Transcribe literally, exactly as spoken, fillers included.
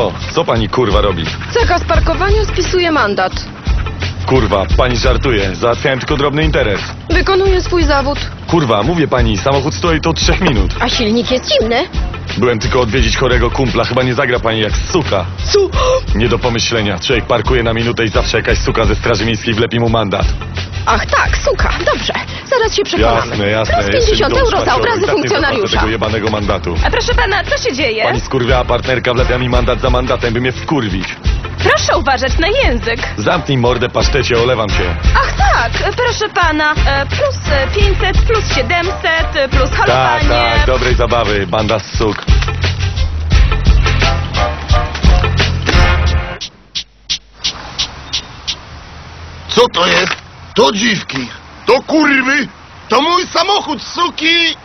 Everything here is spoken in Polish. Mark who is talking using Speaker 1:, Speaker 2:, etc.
Speaker 1: Co? Co pani kurwa robi?
Speaker 2: Zakaz parkowania spisuje mandat.
Speaker 1: Kurwa, pani żartuje. Załatwiałem tylko drobny interes.
Speaker 2: Wykonuje swój zawód.
Speaker 1: Kurwa, mówię pani, samochód stoi tu od trzech minut.
Speaker 2: A silnik jest zimny.
Speaker 1: Byłem tylko odwiedzić chorego kumpla. Chyba nie zagra pani jak suka.
Speaker 2: Su...
Speaker 1: Nie do pomyślenia. Człowiek parkuje na minutę i zawsze jakaś suka ze straży miejskiej wlepi mu mandat.
Speaker 2: Ach tak, suka, dobrze. Zaraz się przekonamy.
Speaker 1: Jasne, jasne.
Speaker 2: Plus
Speaker 1: Jeszcze
Speaker 2: pięćdziesiąt
Speaker 1: mi dom
Speaker 2: euro za
Speaker 1: szmaciorów.
Speaker 2: obrazy
Speaker 1: I tak nie zapłacę
Speaker 2: funkcjonariusza.
Speaker 1: tego jebanego mandatu.
Speaker 3: A proszę pana, co się dzieje?
Speaker 1: Pani skurwiała partnerka wlepia mi mandat za mandatem, by mnie wkurwić.
Speaker 3: Proszę uważać na język.
Speaker 1: Zamknij mordę, pasztecie, olewam się.
Speaker 3: Ach tak, proszę pana, e, plus e, pięćset, plus siedemset, e, plus
Speaker 1: Tak,
Speaker 3: halowanie.
Speaker 1: tak, dobrej zabawy, banda z suk.
Speaker 4: Co to jest? To dziwki. To kurwy. To mój samochód, suki.